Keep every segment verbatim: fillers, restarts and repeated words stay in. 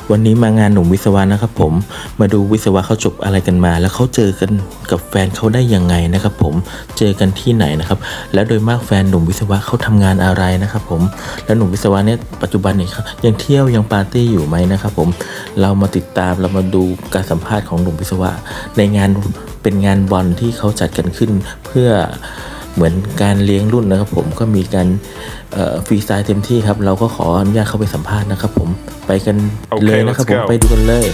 วันนี้มางานหนุ่มวิศวะนะครับผมมาดูวิศวะเขาจบอะไรกันมาแล้วเขาเจอกันกับแฟนเขาได้ยังไงนะครับผมเจอกันที่ไหนนะครับและโดยมากแฟนหนุ่มวิศวะเขาทำงานอะไรนะครับผมแล้วหนุ่มวิศวะเนี่ยปัจจุบันเนี่ยยังเที่ยวยังปาร์ตี้อยู่ไหมนะครับผมเรามาติดตามเรามาดูการสัมภาษณ์ของหนุ่มวิศวะในงานเป็นงานบอลที่เขาจัดกันขึ้นเพื่อเหมือนการเลี้ยงรุ่นนะครับผมก็มีการฟรีสไตล์เต็มที่ครับเราก็ขออนุญาตเข้าไปสัมภาษณ์นะครับผมไปกันเลยนะครับผมไปดูกันเลย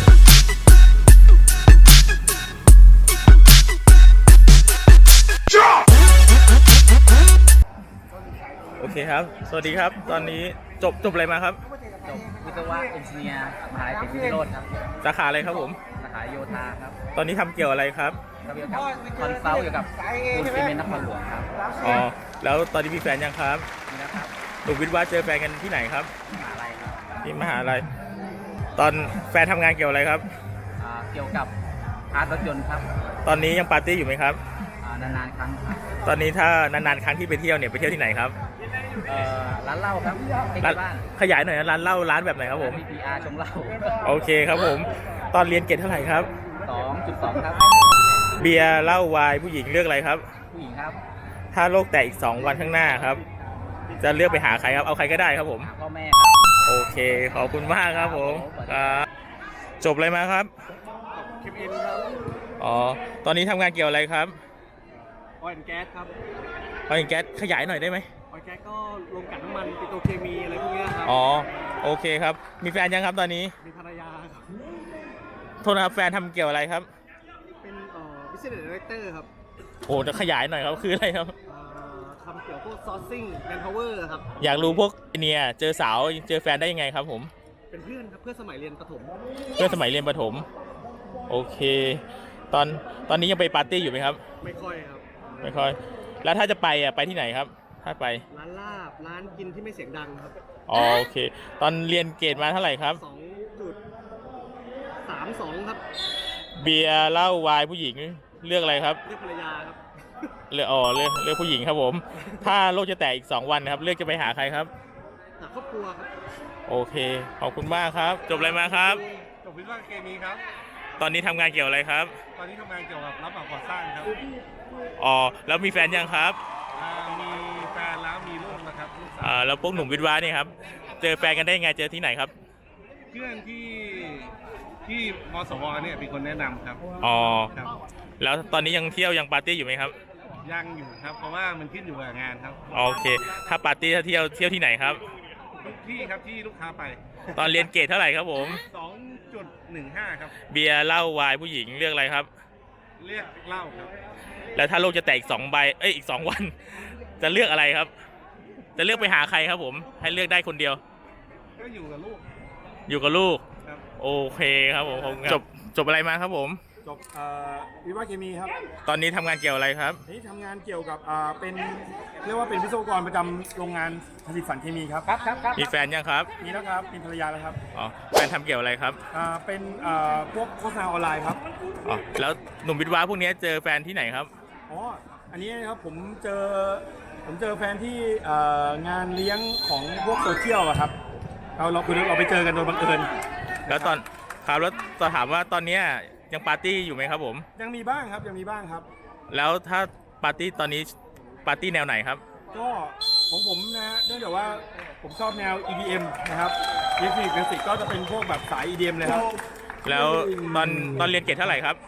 โอเคครับสวัสดีครับตอนนี้จบจบอะไรมาครับจบวิศวะเอนจิเนียร์มหาวิทยาลัยพิโรธครับสาขาอะไรครับผมสาขาโยธาครับตอนนี้ทำเกี่ยวอะไรครับเกี่ยวกับคอนซัลท์เกี่ยวกับปูนซีเมนต์นครหลวงครับอ๋อแล้วตอนนี้มีแฟนยังครับมีแล้วครับหนุ่มวิศวะเจอแฟนกันที่ไหนครับมหาลัยครับที่มหาลัยตอนแฟนทำงานเกี่ยวอะไรครับเกี่ยวกับพาร์ทรถยนต์ครับตอนนี้ยังปาร์ตี้อยู่ไหมครับนานๆครั้งครับตอนนี้ถ้านานๆครั้งที่ไปเที่ยวเนี่ยไปเที่ยวที่ไหนครับร้านเหล้าครับที่บ้านขยายหน่อยนะร้านเหล้าร้านแบบไหนครับผมพี พี อาร์ ชงเหล้าโอเคครับผมตอนเรียนเกรดเท่าไหร่ครับสองจุดสอง ครับเบียร์เหล้าไวน์ผู้หญิงเลือกอะไรครับผู้หญิงครับถ้าโลกแตกอีกสองวันข้างหน้าครับจะเลือกไปหาใครครับเอาใครก็ได้ครับผมพ่อแม่ครับโอเคขอบคุณมากครับผมจบอะไรมาครับเคมีครับอ๋อตอนนี้ทำงานเกี่ยวอะไรครับออยล์แก๊สครับออยล์แก๊สขยายหน่อยได้ไหมออยล์แก๊สก็ลงกันน้ำมันปิโตรเคมีอะไรพวกนี้ครับอ๋อโอเคครับมีแฟนยังครับตอนนี้มีภรรยาครับโทษนะครับแฟนทำเกี่ยวอะไรครับเป็นเอ่อ Business Director ครับโอ้จะขยายหน่อยครับคืออะไรครับทำเกี่ยวกับพวก sourcing manpower ครับอยากรู้พวกเนี่ยเจอสาวเจอแฟนได้ยังไงครับผมเป็นเพื่อนครับเพื่อนสมัยเรียนประถมเพื่อนสมัยเรียนประถมโอเคตอนตอนนี้ยังไปปาร์ตี้อยู่ไหมครับไม่ค่อยครับไม่ค่อยแล้วถ้าจะไปอ่ะไปที่ไหนครับถ้าไปร้านลาบร้านกินที่ไม่เสียงดังครับอ๋อโอเคตอนเรียนเกรดมาเท่าไหร่ครับสองจุดสามสอง ครับเบียร์เหล้าไวน์ผู้หญิงเลือกอะไรครับเลือกภรรยาครับเลือกอ๋อเลือกเลือกผู้หญิงครับผมถ้าโลกจะแตกอีกสองวันครับเลือกจะไปหาใครครับหาครอบครัวครับโอเคขอบคุณมากครับจบอะไรมาครับจบวิศวะเคมีครับตอนนี้ทำงานเกี่ยวอะไรครับตอนนี้ทำงานเกี่ยวกับรับเหมาก่อสร้างครับอ๋อแล้วมีแฟนยังครับมีแฟนแล้วมีลูกนะครับอ่าแล้วพวกหนุ่มวิศวะนี่ครับเจอแฟนกันได้ยังไงเจอที่ไหนครับเพื่อนที่ที่มสวเนี่ยเป็นคนแนะนำครับอ๋อแล้วตอนนี้ยังเที่ยวยังปาร์ตี้อยู่ไหมครับยังอยู่ครับเพราะว่ามันขึ้นอยู่กับงานครับโอเคถ้าปาร์ตี้ถ้าเที่ยวเที่ยวที่ไหนครับทุกที่ครับที่ลูกค้าไปตอนเรียนเกรดเท่าไหร่ครับผมสองจุดหนึ่งห้า ครับเบียร์เหล้าไวน์ผู้หญิงเลือกอะไรครับเลือกเหล้าครับแล้วถ้าโลกจะแตกอีกสองใบเอ้ยอีกสองวันจะเลือกอะไรครับจะเลือกไปหาใครครับผมให้เลือกได้คนเดียวก็อยู่กับลูกอยู่กับลูกโอเคครับผมจบจบอะไรมาครับผมจบวิศวะเคมีครับตอนนี้ทำงานเกี่ยวอะไรครับนี่ทำงานเกี่ยวกับเป็นเรียกว่าเป็นวิศวกรประจำโรงงานผลิตสารเคมีครับครับครับมีแฟนยังครับมีแล้วครับมีภรรยาแล้วครับอ๋อแฟนทำเกี่ยวอะไรครับเป็นพวกโฆษณาออนไลน์ครับอ๋อแล้วหนุ่มวิศวะพวกนี้เจอแฟนที่ไหนครับอ๋ออันนี้ครับผมเจอผมเจอแฟนที่งานเลี้ยงของพวกโซเชียลอะครับเราเราคือเราไปเจอกันโดยบังเอิญแล้วตอนครับแล้วจะถามว่าตอนนี้ยังปาร์ตี้อยู่ไหมครับผมยังมีบ้างครับยังมีบ้างครับแล้วถ้าปาร์ตี้ตอนนี้ปาร์ตี้แนวไหนครับก็ของผมนะฮะเนื่องจากว่าผมชอบแนว อี ดี เอ็ม นะครับอิเล็กทรอนิกส์มิวสิกก็จะเป็นพวกแบบสาย อี ดี เอ็ม เลยครับแล้วตอนตอนเรียนเกรดเท่าไหร่ครับ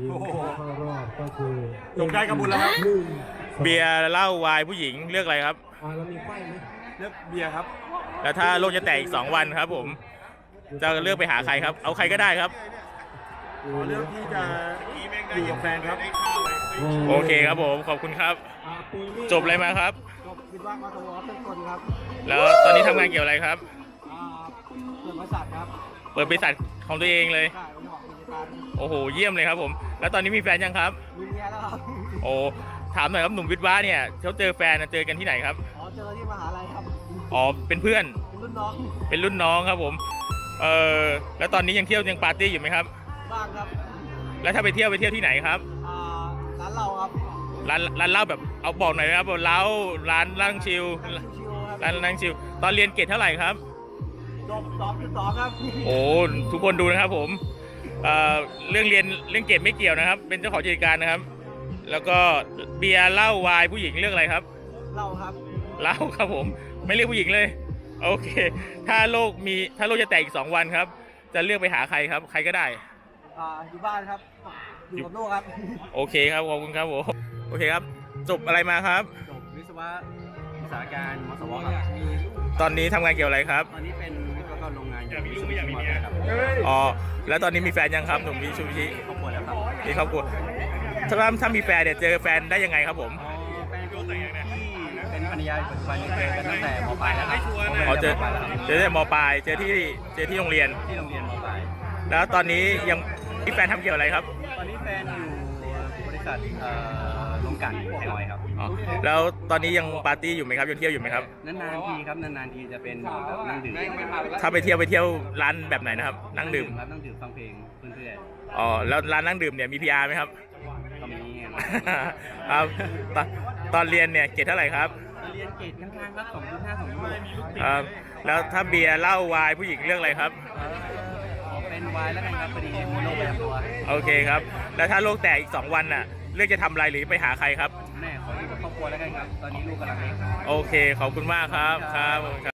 จบได้กระบุญแล้วครับเบียร์เหล้าไวน์ผู้หญิงเลือกอะไรครับเลือกเบียร์ครับแล้วถ้าโลกจะแตกอีกสองวันครับผมจะเลือกไปหาใครครับเอาใครก็ได้ครับเลือกที่จะอยู่กับแฟนครับโอเคครับผมขอบคุณครับจบอะไรมาครับจบวิศวะมาตลอดเป็นคนครับแล้วตอนนี้ทำงานเกี่ยวอะไรครับเปิดบริษัทครับเปิดบริษัทของตัวเองเลยโอ้โหเยี่ยมเลยครับผมแล้วตอนนี้มีแฟนยังครับมีเมียแล้วครับโอ้ถามหน่อยครับหนุ่มวิศวะเนี่ยเขาเจอแฟนเจอกันที่ไหนครับอ๋อเจอที่มหาลัยครับอ๋อเป็นเพื่อนเป็นรุ่นน้องเป็นรุ่นน้องครับผมเออแล้วตอนนี้ยังเที่ยวยังปาร์ตี้อยู่ไหมครับบ้างครับแล้วถ้าไปเที่ยวไปเที่ยวที่ไหนครับอ่าร้านเหล้าครับร้านร้านเหล้าแบบเอาบอกหน่อยนะครับเหล้าร้านนั่งชิลร้านนั่งชิลตอนเรียนเกรดเท่าไหร่ครับจบสองจุดสองครับโอ้ทุกคนดูนะครับผมเอ่อเรื่องเรียนเรื่องเก็บไม่เกี่ยวนะครับ เป็นเจ้าของกิจการนะครับ แล้วก็เบียร์เหล้าไวน์ผู้หญิงเลือกอะไรครับเราครับเหล้าครับผมไม่เลือกผู้หญิงเลยโอเค ถ้าโลกมีถ้าโลกจะแตกอีกสองวันครับ จะเลือกไปหาใครครับ ใครก็ได้อ่าอยู่บ้านครับ อยู่กับลูกครับโอเคครับขอบคุณครับผมโอเคครับจบอะไรมาครับจบวิศวะอุตสาหการมสวครับตอนนี้ทำงานเกี่ยวอะไรครับตอนนี้เป็นวิศวกรโรงงานอยู่ที่สุรินทร์ครับอ๋อแล้วตอนนี้มีแฟนยังครับหนุ่มมิชูบิชิครอบครัวแล้วครับมีครอบครัวถ้าถ้ามีแฟนเนี่ยเจอแฟนได้ยังไงครับผมอ๋อแฟนที่เป็นภรรยาปัจจุบันนี้เจอกันตั้งแต่มปลายแล้วครับอ๋อเจอมปลายแล้วครับเจอแต่มปลายเจอที่เจอที่โรงเรียนที่โรงเรียนมปลายแล้วตอนนี้ยังมีแฟนทำเกี่ยวอะไรครับตอนนี้แฟนอยู่บริษัทเอ่อโรงกลั่นไทยออยล์ครับอ๋อแล้วตอนนี้ยังปาร์ตี้อยู่ไหมครับยังเที่ยวอยู่ไหมครับนานๆทีครับนานๆทีจะเป็นแบบนั่งดื่มถ้าไปเที่ยวไปเที่ยวร้านแบบไหนนะครับ นั่งดื่มครับนั่งดื่มฟังเพลงเพื่อนอ๋อแล้วร้านนั่งดื่มเนี่ยมี พี อาร์ ไหมครับๆก็มีไงครับตอนตอนเรียนเนี่ยเกรดเท่าไหร่ครับเรียนเกรดข้างๆครับสองจุดห้าสองจุดหกครับแล้วถ้าเบียร์เหล้าไวน์ผู้หญิงเลือกอะไรครับขอเป็นวายแล้วกันครับพอดีมีโรคประจำตัวโอเคครับ แล้วถ้าโลกแตกอีกสองวันน่ะเลือกจะทำอะไรหรือไปหาใครครับแม่ขออยู่กับครอบครัวแล้วกันครับ ตอนนี้ลูกกำลังเล็กโอเคขอบคุณมากครับครับผมครับ